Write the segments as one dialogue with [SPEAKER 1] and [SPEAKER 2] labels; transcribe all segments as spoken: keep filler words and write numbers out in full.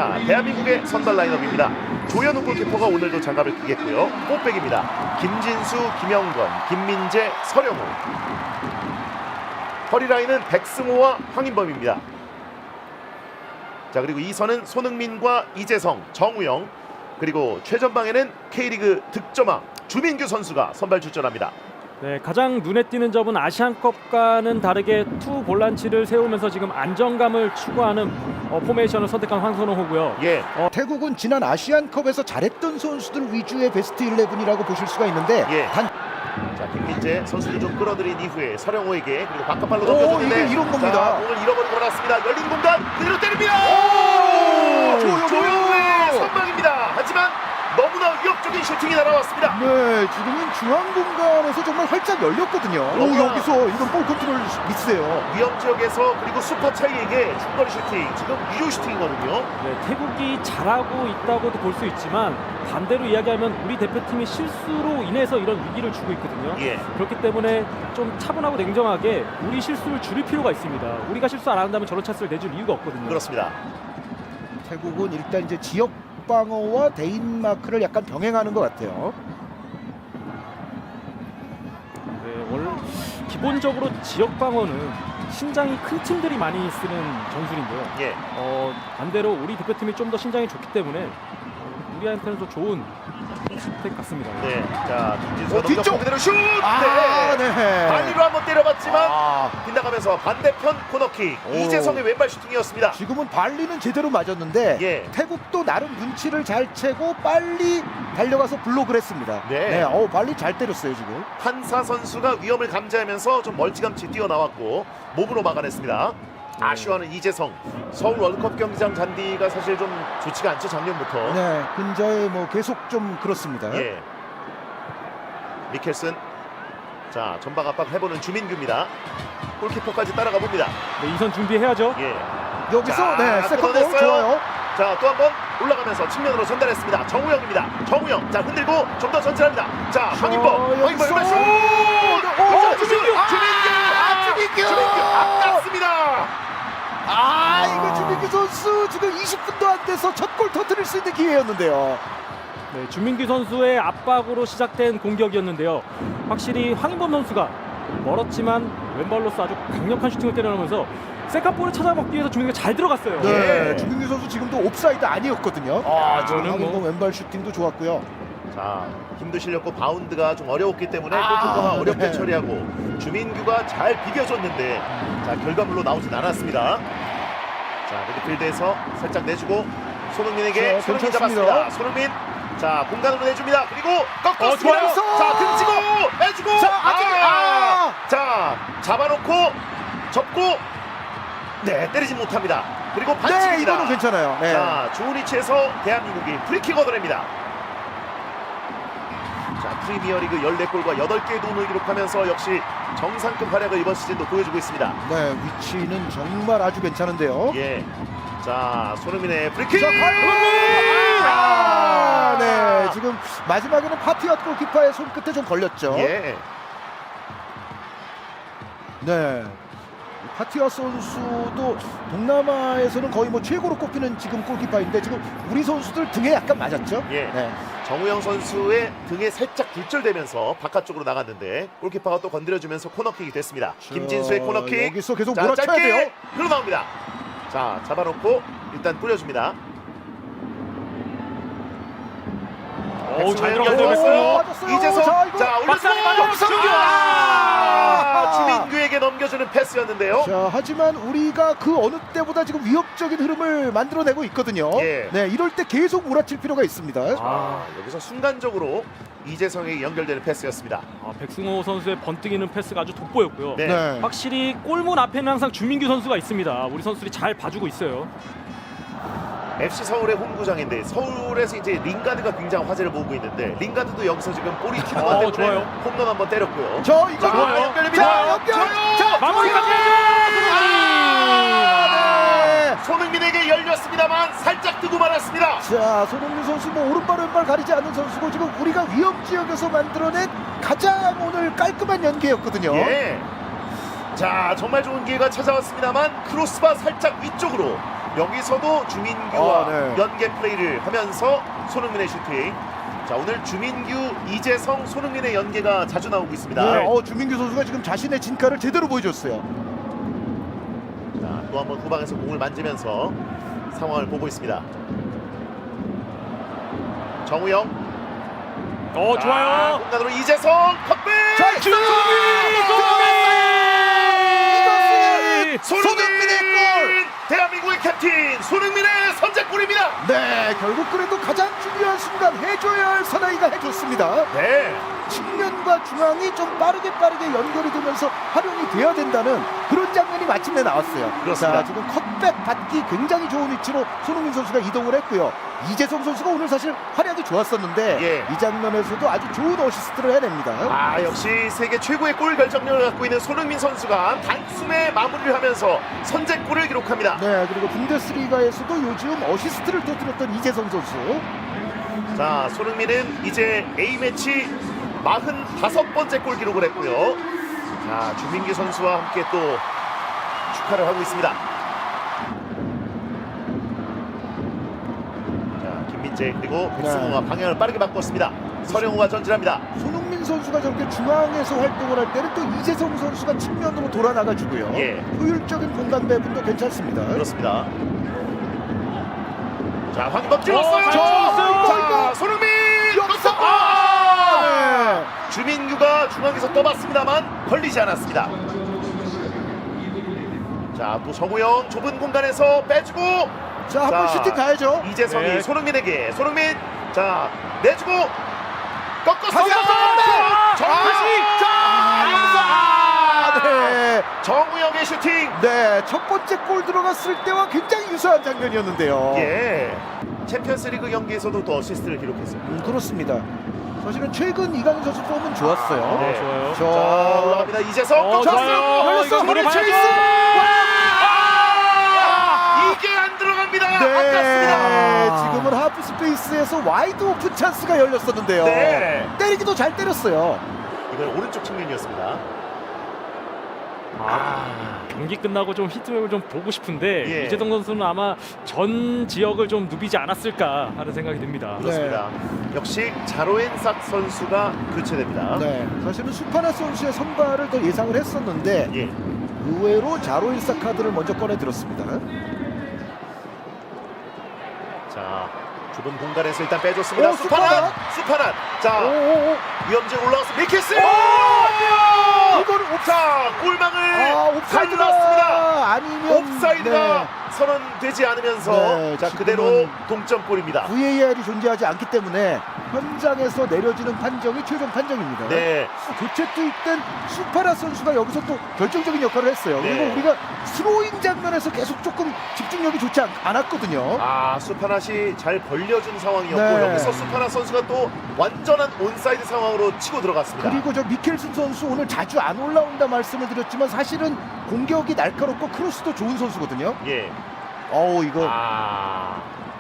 [SPEAKER 1] 자, 대한민국의 선발 라인업입니다. 조현우 골키퍼가 오늘도 장갑을 끼겠고요. 꽃백입니다. 김진수, 김영권, 김민재, 서령우. 허리라인은 백승호와 황인범입니다. 자, 그리고 이 선은 손흥민과 이재성, 정우영, 그리고 최전방에는 K리그 득점왕 주민규 선수가 선발 출전합니다.
[SPEAKER 2] 네, 가장 눈에 띄는 점은 아시안컵과는 다르게 투 볼란치를 세우면서 지금 안정감을 추구하는 어, 포메이션을 선택한 황선홍호고요.
[SPEAKER 1] 예.
[SPEAKER 3] 어, 태국은 지난 아시안컵에서 잘했던 선수들 위주의 베스트 십일이라고 보실 수가 있는데
[SPEAKER 1] 예.
[SPEAKER 3] 단
[SPEAKER 1] 자, 김민재 선수를 좀 끌어들인 이후에 서령호에게 그리고 바깥발로
[SPEAKER 3] 오,
[SPEAKER 1] 넘겨줬는데
[SPEAKER 3] 이게 이런 겁니다.
[SPEAKER 1] 자, 공을 잃어버리고 말았습니다. 열린 공간 그대로 때립니다.
[SPEAKER 3] 오, 조현우!
[SPEAKER 1] 조현우의 선방입니다. 하지만 너무나 위협적인 슈팅이 날아왔습니다.
[SPEAKER 3] 네, 지금은 중앙 공간에서 정말 활짝 열렸거든요. 오,
[SPEAKER 1] 너무나-
[SPEAKER 3] 여기서 이건 볼 컨트롤 미스예요.
[SPEAKER 1] 위험 지역에서 그리고 슈퍼 차이에게 중거리 슈팅, 지금 위조 슈팅이거든요.
[SPEAKER 2] 네, 태국이 잘하고 있다고도 볼 수 있지만 반대로 이야기하면 우리 대표팀이 실수로 인해서 이런 위기를 주고 있거든요.
[SPEAKER 1] 예.
[SPEAKER 2] 그렇기 때문에 좀 차분하고 냉정하게 우리 실수를 줄일 필요가 있습니다. 우리가 실수 안 한다면 저런 찬스를 내줄 이유가 없거든요.
[SPEAKER 1] 그렇습니다.
[SPEAKER 3] 태국은 일단 이제 지역 방어와 대인 마크를 약간 병행하는 것 같아요.
[SPEAKER 2] 네, 원래 기본적으로 지역 방어는 신장이 큰 팀들이 많이 쓰는 전술인데요.
[SPEAKER 1] 예.
[SPEAKER 2] 어, 반대로 우리 대표팀이 좀 더 신장이 좋기 때문에 어, 우리한테는 더 좋은 선택 같습니다.
[SPEAKER 1] 네. 자, 김진수
[SPEAKER 3] 어, 뒤쪽!
[SPEAKER 1] 넘겼고 그대로 슛!
[SPEAKER 3] 아,
[SPEAKER 1] 네.
[SPEAKER 3] 네.
[SPEAKER 1] 발리로 한번 때려봤지만
[SPEAKER 3] 아,
[SPEAKER 1] 빗나가면서 반대편 코너킥.
[SPEAKER 3] 오.
[SPEAKER 1] 이재성의 왼발 슈팅이었습니다.
[SPEAKER 3] 지금은 발리는 제대로 맞았는데
[SPEAKER 1] 예.
[SPEAKER 3] 태국도 나름 눈치를 잘 채고 빨리 달려가서 블록을 했습니다.
[SPEAKER 1] 네.
[SPEAKER 3] 어, 발리 잘 때렸어요 지금.
[SPEAKER 1] 한사 선수가 위험을 감지하면서 좀 멀찌감치 뛰어나왔고 몸으로 막아냈습니다. 아쉬워하는 이재성. 서울 월드컵 경기장 잔디가 사실 좀 좋지가 않죠, 작년부터.
[SPEAKER 3] 네, 근저에 뭐 계속 좀 그렇습니다.
[SPEAKER 1] 예. 미켈슨. 자, 전방 압박 해보는 주민규입니다. 골키퍼까지 따라가 봅니다.
[SPEAKER 2] 네, 이선 준비해야죠.
[SPEAKER 1] 예.
[SPEAKER 3] 여기서
[SPEAKER 1] 자,
[SPEAKER 3] 네, 세컨볼
[SPEAKER 1] 끊어냈어요.
[SPEAKER 3] 좋아요.
[SPEAKER 1] 자, 또 한 번 올라가면서 측면으로 전달했습니다. 정우영입니다. 정우영. 자, 흔들고 좀 더 전진합니다. 자, 황인범. 황인범
[SPEAKER 3] 여기서.
[SPEAKER 1] 왼발 슛!
[SPEAKER 3] 오,
[SPEAKER 1] 주민규!
[SPEAKER 3] 아,
[SPEAKER 1] 주민규!
[SPEAKER 3] 아, 주민규!
[SPEAKER 1] 주민규! 아깝습니다.
[SPEAKER 3] 아, 이거 주민규 선수 지금 이십 분도 안 돼서 첫 골 터뜨릴 수 있는 기회였는데요.
[SPEAKER 2] 네, 주민규 선수의 압박으로 시작된 공격이었는데요. 확실히 황인범 선수가 멀었지만 왼발로서 아주 강력한 슈팅을 때려넣으면서 세컨볼을 찾아먹기 위해서 주민규가 잘 들어갔어요.
[SPEAKER 3] 네,
[SPEAKER 1] 예.
[SPEAKER 3] 주민규 선수 지금도 옵사이드 아니었거든요.
[SPEAKER 2] 아,
[SPEAKER 3] 지금
[SPEAKER 2] 저는
[SPEAKER 3] 황인범
[SPEAKER 2] 뭐
[SPEAKER 3] 왼발 슈팅도 좋았고요.
[SPEAKER 1] 자, 힘도 실렸고 바운드가 좀 어려웠기 때문에
[SPEAKER 3] 아,
[SPEAKER 1] 골키퍼가 어렵게
[SPEAKER 3] 네.
[SPEAKER 1] 처리하고 주민규가 잘 비벼줬는데 자, 결과물로 나오진 않았습니다. 자, 미드필드에서 살짝 내주고 손흥민에게
[SPEAKER 3] 자,
[SPEAKER 1] 손흥민
[SPEAKER 3] 괜찮습니다.
[SPEAKER 1] 잡았습니다. 손흥민. 자, 공간으로 내줍니다. 그리고 꺾었습니다.
[SPEAKER 3] 어, 좋아요.
[SPEAKER 1] 자, 등지고 해주고.
[SPEAKER 3] 자, 아직- 아!
[SPEAKER 1] 자, 잡아놓고 접고 네, 때리지 못합니다. 그리고
[SPEAKER 3] 네,
[SPEAKER 1] 반칙입니다.
[SPEAKER 3] 이거는 괜찮아요. 네.
[SPEAKER 1] 자, 좋은 위치에서 대한민국이 프리킥 얻어냅니다. 자, 프리미어리그 열네 골과 여덟 개의 도움을 기록하면서 역시 정상급 활약을 이번 시즌도 보여주고 있습니다.
[SPEAKER 3] 네, 위치는 정말 아주 괜찮은데요.
[SPEAKER 1] 예. 자, 손흥민의 프리킥!
[SPEAKER 3] 자, 과연! 아, 네, 지금 마지막에는 파티엇 골키퍼의 손끝에 좀 걸렸죠.
[SPEAKER 1] 예.
[SPEAKER 3] 네. 파티아 선수도 동남아에서는 거의 뭐 최고로 꼽히는 지금 골키퍼인데 지금 우리 선수들 등에 약간 맞았죠.
[SPEAKER 1] 예.
[SPEAKER 3] 네.
[SPEAKER 1] 정우영 선수의 등에 살짝 굴절되면서 바깥쪽으로 나갔는데 골키퍼가 또 건드려주면서 코너킥이 됐습니다. 김진수의
[SPEAKER 3] 자,
[SPEAKER 1] 코너킥.
[SPEAKER 3] 여기서 계속
[SPEAKER 1] 자,
[SPEAKER 3] 몰아쳐야
[SPEAKER 1] 짧게
[SPEAKER 3] 돼요.
[SPEAKER 1] 흘러나옵니다. 자, 잡아놓고 일단 뿌려줍니다.
[SPEAKER 2] 오, 잘
[SPEAKER 1] 백승호
[SPEAKER 2] 들어갔어요.
[SPEAKER 1] 연결됐어요.
[SPEAKER 3] 맞았어요.
[SPEAKER 1] 이재성.
[SPEAKER 3] 자, 이거
[SPEAKER 1] 자,
[SPEAKER 2] 박상이
[SPEAKER 1] 올려주고
[SPEAKER 2] 맞았죠.
[SPEAKER 1] 슛! 아, 주민규에게 넘겨주는 패스였는데요.
[SPEAKER 3] 자, 하지만 우리가 그 어느 때보다 지금 위협적인 흐름을 만들어내고 있거든요.
[SPEAKER 1] 예.
[SPEAKER 3] 네, 이럴 때 계속 몰아칠 필요가 있습니다.
[SPEAKER 1] 아, 여기서 순간적으로 이재성에게 연결되는 패스였습니다.
[SPEAKER 2] 아, 백승호 선수의 번뜩이는 패스가 아주 돋보였고요.
[SPEAKER 1] 네.
[SPEAKER 3] 네.
[SPEAKER 2] 확실히 골문 앞에는 항상 주민규 선수가 있습니다. 우리 선수들이 잘 봐주고 있어요.
[SPEAKER 1] 에프씨 서울의 홈구장인데 서울에서 이제 링가드가 굉장히 화제를 모으고 있는데 링가드도 여기서 지금 볼이 튀는 것
[SPEAKER 2] 어,
[SPEAKER 1] 때문에
[SPEAKER 2] 좋아요.
[SPEAKER 1] 홈런 한번 때렸고요.
[SPEAKER 3] 저 이거
[SPEAKER 1] 자,
[SPEAKER 2] 좋아요.
[SPEAKER 1] 연결됩니다.
[SPEAKER 3] 자, 연결.
[SPEAKER 1] 좋아요.
[SPEAKER 3] 자,
[SPEAKER 2] 마무리까지
[SPEAKER 3] 아, 네.
[SPEAKER 1] 손흥민에게 열렸습니다만 살짝 뜨고 말았습니다.
[SPEAKER 3] 자, 손흥민 선수 뭐 오른발 왼발 가리지 않는 선수고 지금 우리가 위험 지역에서 만들어낸 가장 오늘 깔끔한 연계였거든요.
[SPEAKER 1] 예. 자, 정말 좋은 기회가 찾아왔습니다만 크로스바 살짝 위쪽으로 여기서도 주민규와
[SPEAKER 3] 아, 네.
[SPEAKER 1] 연계 플레이를 하면서 손흥민의 슈팅. 자, 오늘 주민규, 이재성, 손흥민의 연계가 자주 나오고 있습니다.
[SPEAKER 3] 네, 어, 주민규 선수가 지금 자신의 진가를 제대로 보여줬어요.
[SPEAKER 1] 자, 또 한번 후방에서 공을 만지면서 상황을 보고 있습니다. 정우영.
[SPEAKER 2] 어, 좋아요.
[SPEAKER 1] 공간으로 이재성 컷백.
[SPEAKER 3] 자,
[SPEAKER 2] 손흥민!
[SPEAKER 3] 이것은
[SPEAKER 1] 손흥민!
[SPEAKER 3] 손흥민의 골!
[SPEAKER 1] 대한민국의 캡틴 손흥민의 선제골입니다.
[SPEAKER 3] 네, 결국 그래도 가장 중요한 순간 해줘야 할 사나이가 해줬습니다.
[SPEAKER 1] 네.
[SPEAKER 3] 측면과 중앙이 좀 빠르게 빠르게 연결이 되면서 활용이 돼야 된다는 그런 장면이 마침내 나왔어요.
[SPEAKER 1] 그렇습니다.
[SPEAKER 3] 자, 지금 컷백 받기 굉장히 좋은 위치로 손흥민 선수가 이동을 했고요. 이재성 선수가 오늘 사실 활약이 좋았었는데
[SPEAKER 1] 예.
[SPEAKER 3] 이 장면에서도 아주 좋은 어시스트를 해냅니다.
[SPEAKER 1] 아, 역시 세계 최고의 골 결정력을 갖고 있는 손흥민 선수가 단숨에 마무리를 하면서 선제골을 기록합니다.
[SPEAKER 3] 네, 그리고 분데스리가에서도 요즘 어시스트를 터뜨렸던 이재성 선수.
[SPEAKER 1] 자, 손흥민은 이제 A매치 사십오 번째 골 기록을 했고요. 자, 주민규 선수와 함께 또 축하를 하고 있습니다. 자, 김민재 그리고 백승호가
[SPEAKER 3] 네.
[SPEAKER 1] 방향을 빠르게 바꿨습니다. 서령우가 전진합니다.
[SPEAKER 3] 손흥민 선수가 저렇게 중앙에서 활동을 할 때는 또 이재성 선수가 측면으로 돌아 나가주고요.
[SPEAKER 1] 예.
[SPEAKER 3] 효율적인 공간 배분도 괜찮습니다.
[SPEAKER 1] 그렇습니다. 자, 황희범 찔렀어요.
[SPEAKER 2] 어, 잘
[SPEAKER 3] 찔렀어요.
[SPEAKER 1] 자, 손흥민
[SPEAKER 3] 역습!
[SPEAKER 1] 아!
[SPEAKER 3] 네.
[SPEAKER 1] 주민규가 중앙에서 떠봤습니다만 걸리지 않았습니다. 자, 또 정우영 좁은 공간에서 빼주고
[SPEAKER 3] 자, 한번
[SPEAKER 1] 자,
[SPEAKER 3] 슈팅 가야죠.
[SPEAKER 1] 이재성이
[SPEAKER 2] 네.
[SPEAKER 1] 손흥민에게 손흥민 자 내주고 꺾었어.
[SPEAKER 3] 다시 한번
[SPEAKER 1] 정우영 자
[SPEAKER 3] 아, 네.
[SPEAKER 1] 정우영의 슈팅.
[SPEAKER 3] 네, 첫 번째 골 들어갔을 때와 굉장히 유사한 장면이었는데요.
[SPEAKER 1] 예. 챔피언스리그 경기에서도 또 어시스트를 기록했어요.
[SPEAKER 3] 음, 그렇습니다. 사실은 최근 이강인 선수 폼은 좋았어요.
[SPEAKER 2] 어,
[SPEAKER 1] 네.
[SPEAKER 2] 좋아요.
[SPEAKER 3] 저-
[SPEAKER 1] 자, 올라갑니다. 이재성
[SPEAKER 2] 어,
[SPEAKER 1] 꺾었어요.
[SPEAKER 2] 좋아요.
[SPEAKER 3] 열렸어.
[SPEAKER 2] 이거
[SPEAKER 3] 머리
[SPEAKER 2] 들어가야죠.
[SPEAKER 3] 체이스.
[SPEAKER 1] 아! 이게 안 들어갑니다. 아깝습니다.
[SPEAKER 3] 네, 지금은 하프 스페이스에서 와이드 오픈 찬스가 열렸었는데요.
[SPEAKER 1] 네.
[SPEAKER 3] 때리기도 잘 때렸어요.
[SPEAKER 1] 이건 오른쪽 측면이었습니다.
[SPEAKER 2] 아, 경기 끝나고 좀 히트맵을 좀 보고 싶은데
[SPEAKER 1] 예.
[SPEAKER 2] 이재성 선수는 아마 전 지역을 좀 누비지 않았을까 하는 생각이 듭니다.
[SPEAKER 1] 그렇습니다. 역시 자로엔삭 선수가 교체됩니다.
[SPEAKER 3] 네, 사실은 수파나 선수의 선발을 더 예상을 했었는데
[SPEAKER 1] 예.
[SPEAKER 3] 의외로 자로인사 카드를 먼저 꺼내 들었습니다.
[SPEAKER 1] 자, 좁은 공간에서 일단 빼줬습니다.
[SPEAKER 3] 오,
[SPEAKER 1] 수파낫!
[SPEAKER 3] 수파낫!
[SPEAKER 1] 수파낫! 자,
[SPEAKER 3] 오오오,
[SPEAKER 1] 위험진 올라왔어. 미키스!
[SPEAKER 3] 이거는 옵,
[SPEAKER 1] 자, 골망을
[SPEAKER 3] 아,
[SPEAKER 1] 잘 들었습니다.
[SPEAKER 3] 옵사이드가 아니면
[SPEAKER 1] 옵사이드가
[SPEAKER 3] 네.
[SPEAKER 1] 선언되지 않으면서
[SPEAKER 3] 네,
[SPEAKER 1] 자,
[SPEAKER 3] 지금은
[SPEAKER 1] 그대로 동점골입니다.
[SPEAKER 3] 브이에이알이 존재하지 않기 때문에 현장에서 내려지는 판정이 최종 판정입니다.
[SPEAKER 1] 네.
[SPEAKER 3] 교체 투입된 수파라 선수가 여기서 또 결정적인 역할을 했어요.
[SPEAKER 1] 네.
[SPEAKER 3] 그리고 우리가 스로잉 장면에서 계속 조금 집중력이 좋지 않, 않았거든요.
[SPEAKER 1] 아, 수파낫이 잘 벌려준 상황이었고
[SPEAKER 3] 네.
[SPEAKER 1] 여기서 수파낫 선수가 또 완전한 온사이드 상황으로 치고 들어갔습니다.
[SPEAKER 3] 그리고 저 미켈슨 선수 오늘 자주 안 올라온다 말씀을 드렸지만 사실은 공격이 날카롭고 크로스도 좋은 선수거든요.
[SPEAKER 1] 예.
[SPEAKER 3] 어우 이거
[SPEAKER 1] 아,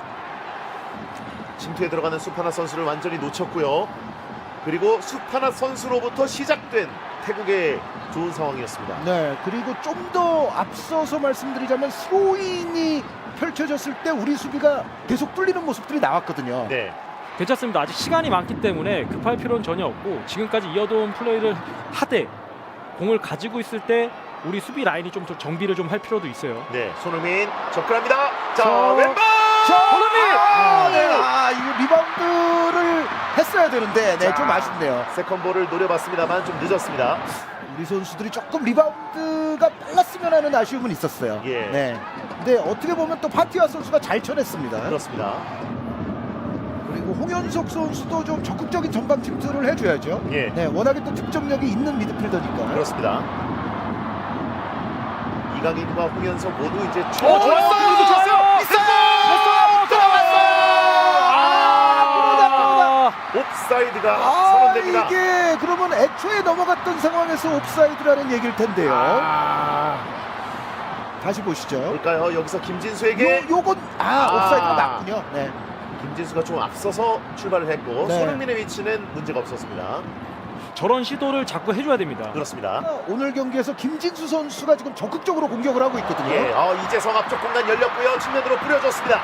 [SPEAKER 1] 침투에 들어가는 수파나 선수를 완전히 놓쳤고요. 그리고 수파나 선수로부터 시작된 태국의 좋은 상황이었습니다.
[SPEAKER 3] 네, 그리고 좀 더 앞서서 말씀드리자면 스로잉이 펼쳐졌을 때 우리 수비가 계속 뚫리는 모습들이 나왔거든요.
[SPEAKER 1] 네,
[SPEAKER 2] 괜찮습니다. 아직 시간이 많기 때문에 급할 필요는 전혀 없고 지금까지 이어져온 플레이를 하되 공을 가지고 있을 때 우리 수비 라인이 좀 더 정비를 좀 할 필요도 있어요.
[SPEAKER 1] 네, 손흥민 접근합니다. 자,
[SPEAKER 3] 저-
[SPEAKER 1] 왼발!
[SPEAKER 3] 저-
[SPEAKER 1] 손흥민!
[SPEAKER 3] 아, 네. 아, 이거 리바운드를 했어야 되는데, 네,
[SPEAKER 1] 자,
[SPEAKER 3] 좀 아쉽네요.
[SPEAKER 1] 세컨볼을 노려봤습니다.만 좀 늦었습니다.
[SPEAKER 3] 우리 선수들이 조금 리바운드가 빨랐으면 하는 아쉬움은 있었어요.
[SPEAKER 1] 예.
[SPEAKER 3] 네. 근데 어떻게 보면 또 파티아 선수가 잘 쳐냈습니다.
[SPEAKER 1] 그렇습니다.
[SPEAKER 3] 그리고 홍현석 선수도 좀 적극적인 전방 침투를 해줘야죠.
[SPEAKER 1] 예.
[SPEAKER 3] 네, 워낙에 또 득점력이 있는 미드필더니까.
[SPEAKER 1] 그렇습니다. 이강인과 홍현석 모두 이제
[SPEAKER 2] 어,
[SPEAKER 1] 좋았어요.
[SPEAKER 2] 좋았어요.
[SPEAKER 1] 좋았어요. 있었어. 들어갔어.
[SPEAKER 2] 아,
[SPEAKER 1] 옵사이드가
[SPEAKER 3] 아,
[SPEAKER 1] 선언됩니다.
[SPEAKER 3] 이게 그러면 애초에 넘어갔던 상황에서 옵사이드라는 얘기일 텐데요.
[SPEAKER 1] 아,
[SPEAKER 3] 다시 보시죠.
[SPEAKER 1] 볼까요? 여기서 김진수에게
[SPEAKER 3] 요, 요건 아,
[SPEAKER 1] 아.
[SPEAKER 3] 옵사이드가 맞군요. 네.
[SPEAKER 1] 김진수가 좀 앞서서 출발을 했고
[SPEAKER 3] 네.
[SPEAKER 1] 손흥민의 위치는 문제가 없었습니다.
[SPEAKER 2] 저런 시도를 자꾸 해줘야 됩니다.
[SPEAKER 1] 그렇습니다.
[SPEAKER 3] 오늘 경기에서 김진수 선수가 지금 적극적으로 공격을 하고 있거든요.
[SPEAKER 1] 예, 어, 이재성 앞쪽 공간 열렸고요. 측면으로 뿌려줬습니다.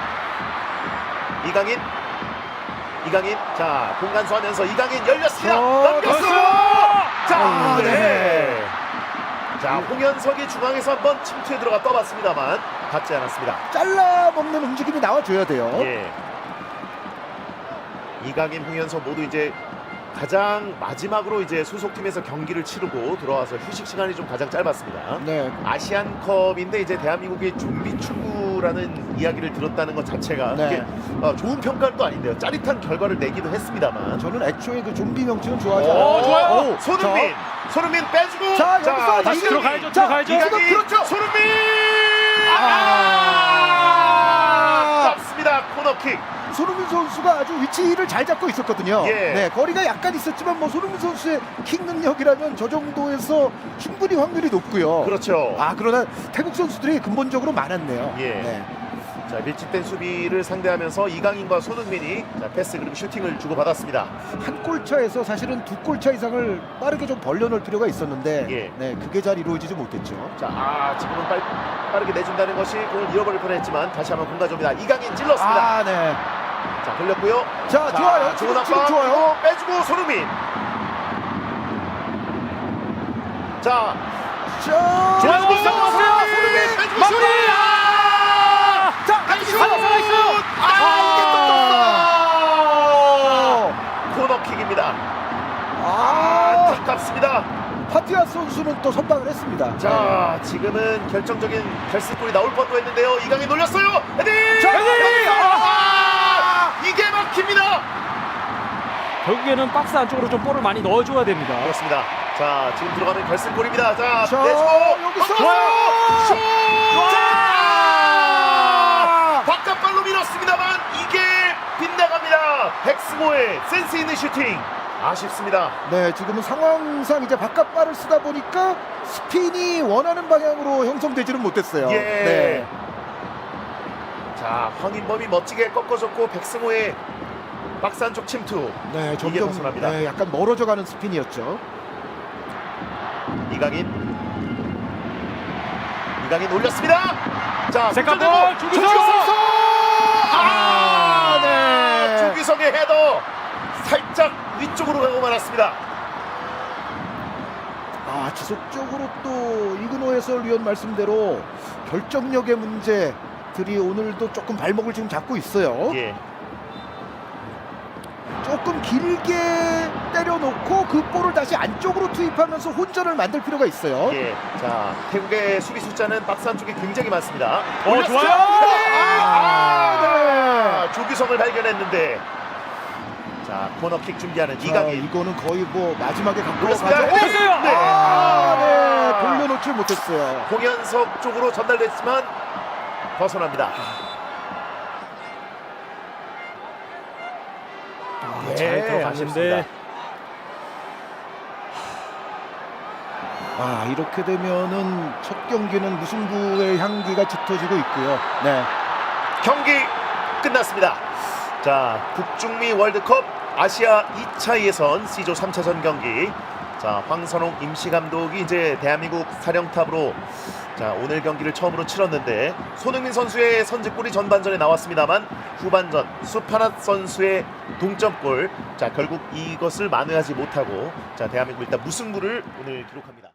[SPEAKER 1] 이강인, 이강인, 자 공간 소하면서 이강인 열렸습니다.
[SPEAKER 3] 저,
[SPEAKER 1] 넘겼어요. 자,
[SPEAKER 3] 아,
[SPEAKER 1] 네.
[SPEAKER 3] 네.
[SPEAKER 1] 자 홍현석이 중앙에서 한번 침투에 들어가 떠봤습니다만 닿지 않았습니다.
[SPEAKER 3] 잘라 먹는 움직임이 나와줘야 돼요.
[SPEAKER 1] 예. 이강인, 홍현석 모두 이제 가장 마지막으로 이제 소속팀에서 경기를 치르고 들어와서 휴식 시간이 좀 가장 짧았습니다.
[SPEAKER 3] 네.
[SPEAKER 1] 아시안컵인데 이제 대한민국의 좀비 축구라는 이야기를 들었다는 것 자체가
[SPEAKER 3] 네.
[SPEAKER 1] 그게 어, 좋은 평가는 또 아닌데요. 짜릿한 결과를 내기도 했습니다만.
[SPEAKER 3] 저는 애초에 그 좀비 명칭은 좋아하지
[SPEAKER 1] 오,
[SPEAKER 3] 않아요.
[SPEAKER 1] 좋아요.
[SPEAKER 3] 오,
[SPEAKER 1] 손흥민, 손흥민 빼주고.
[SPEAKER 3] 자, 여기서
[SPEAKER 2] 다시
[SPEAKER 3] 이강인.
[SPEAKER 2] 들어가야죠,
[SPEAKER 3] 자,
[SPEAKER 2] 들어가야죠.
[SPEAKER 1] 이강인,
[SPEAKER 3] 그렇죠.
[SPEAKER 1] 손흥민.
[SPEAKER 3] 아!
[SPEAKER 1] 아, 잡습니다. 코너킥.
[SPEAKER 3] 손흥민 선수가 아주 위치를 잘 잡고 있었거든요.
[SPEAKER 1] 예.
[SPEAKER 3] 네, 거리가 약간 있었지만 뭐 손흥민 선수의 킥 능력이라면 저 정도에서 충분히 확률이 높고요.
[SPEAKER 1] 그렇죠.
[SPEAKER 3] 아, 그러나 태국 선수들이 근본적으로 많았네요.
[SPEAKER 1] 예.
[SPEAKER 3] 네.
[SPEAKER 1] 자 밀집된 수비를 상대하면서 이강인과 손흥민이 자, 패스 그리고 슈팅을 주고 받았습니다.
[SPEAKER 3] 한 골차에서 사실은 두 골차 이상을 빠르게 좀 벌려놓을 필요가 있었는데
[SPEAKER 1] 예.
[SPEAKER 3] 네, 그게 잘 이루어지지 못했죠.
[SPEAKER 1] 자, 아, 지금은 빨, 빠르게 내준다는 것이 공을 잃어버릴 뻔했지만 다시 한번 공간 줍니다. 이강인 찔렀습니다.
[SPEAKER 3] 아, 네.
[SPEAKER 1] 자, 돌렸고요.
[SPEAKER 3] 자, 좋아요.
[SPEAKER 1] 좋은
[SPEAKER 3] 지금, 지금
[SPEAKER 1] 압박
[SPEAKER 3] 좋아요.
[SPEAKER 1] 그리고 빼주고 손흥민. 자,
[SPEAKER 3] 자,
[SPEAKER 2] 좋아요.
[SPEAKER 1] 손흥민,
[SPEAKER 2] 넘어갔어요.
[SPEAKER 1] 손흥민 빼주고
[SPEAKER 2] 마무리!
[SPEAKER 1] 손흥민.
[SPEAKER 3] 자,
[SPEAKER 1] 나이스!
[SPEAKER 3] 슛!
[SPEAKER 2] 살아있어요.
[SPEAKER 1] 아, 이게 또 떴어. 코너킥입니다.
[SPEAKER 3] 아,
[SPEAKER 1] 안타깝습니다.
[SPEAKER 3] 파티아스 선수는 또 선방을 했습니다.
[SPEAKER 1] 자, 지금은 결정적인 결승골이 나올 뻔도 했는데요. 이강인 놀렸어요. 헤딩!
[SPEAKER 3] 자,
[SPEAKER 2] 헤딩!
[SPEAKER 1] 아, 이게 막힙니다.
[SPEAKER 2] 결국에는 박스 안쪽으로 좀 볼을 많이 넣어줘야 됩니다.
[SPEAKER 1] 그렇습니다. 자, 지금 들어가는 결승골입니다. 자,
[SPEAKER 3] 자,
[SPEAKER 1] 내주고
[SPEAKER 3] 여기서
[SPEAKER 1] 좋아요. 슛!
[SPEAKER 3] 좋아요.
[SPEAKER 1] 자! 바깥발로 밀었습니다만 이게 빗나갑니다. 백승호의 센스 있는 슈팅. 아쉽습니다.
[SPEAKER 3] 네, 지금은 상황상 이제 바깥발을 쓰다 보니까 스핀이 원하는 방향으로 형성되지는 못했어요.
[SPEAKER 1] 예.
[SPEAKER 3] 네.
[SPEAKER 1] 자, 황인범이 멋지게 꺾어줬고 백승호의 박스 안쪽 침투.
[SPEAKER 3] 네,
[SPEAKER 1] 이게
[SPEAKER 3] 점점
[SPEAKER 1] 벗어납니다.
[SPEAKER 3] 네, 약간 멀어져가는 스핀이었죠.
[SPEAKER 1] 이강인. 이강인 올렸습니다. 자,
[SPEAKER 2] 세컨볼,
[SPEAKER 1] 손전대고
[SPEAKER 2] 조규성!
[SPEAKER 1] 조규성! 아,
[SPEAKER 3] 아, 네.
[SPEAKER 1] 조규성의 헤더 살짝 위쪽으로 가고 말았습니다.
[SPEAKER 3] 아, 지속적으로 또 이근호 해설위원 말씀대로 결정력의 문제들이 오늘도 조금 발목을 지금 잡고 있어요.
[SPEAKER 1] 예.
[SPEAKER 3] 조금 길게 때려놓고 그 볼을 다시 안쪽으로 투입하면서 혼전을 만들 필요가 있어요.
[SPEAKER 1] 예. 자, 태국의 수비 숫자는 박스 안쪽에 굉장히 많습니다.
[SPEAKER 2] 어,
[SPEAKER 1] 올렸어요.
[SPEAKER 2] 좋아요.
[SPEAKER 1] 아,
[SPEAKER 3] 아,
[SPEAKER 1] 아, 조규성을 발견했는데. 자, 코너킥 준비하는
[SPEAKER 3] 자,
[SPEAKER 1] 이강인.
[SPEAKER 3] 이거는 거의 뭐 마지막에 갖고
[SPEAKER 1] 올렸습니다.
[SPEAKER 3] 가죠.
[SPEAKER 1] 헤딩! 네.
[SPEAKER 3] 아, 네. 돌려놓질 못했어요.
[SPEAKER 1] 홍현석 쪽으로 전달됐지만 벗어납니다.
[SPEAKER 2] 아,
[SPEAKER 1] 네,
[SPEAKER 2] 잘 들어갔는데
[SPEAKER 1] 아쉽습니다.
[SPEAKER 3] 아, 이렇게 되면은 첫 경기는 무승부의 향기가 짙어지고 있고요. 네.
[SPEAKER 1] 경기 끝났습니다. 자, 북중미 월드컵 아시아 이 차 예선 C조 삼 차전 경기. 자, 황선홍 임시감독이 이제 대한민국 사령탑으로 자, 오늘 경기를 처음으로 치렀는데 손흥민 선수의 선제골이 전반전에 나왔습니다만 후반전 수파낫 선수의 동점골. 자, 결국 이것을 만회하지 못하고 자, 대한민국 일단 무승부를 오늘 기록합니다.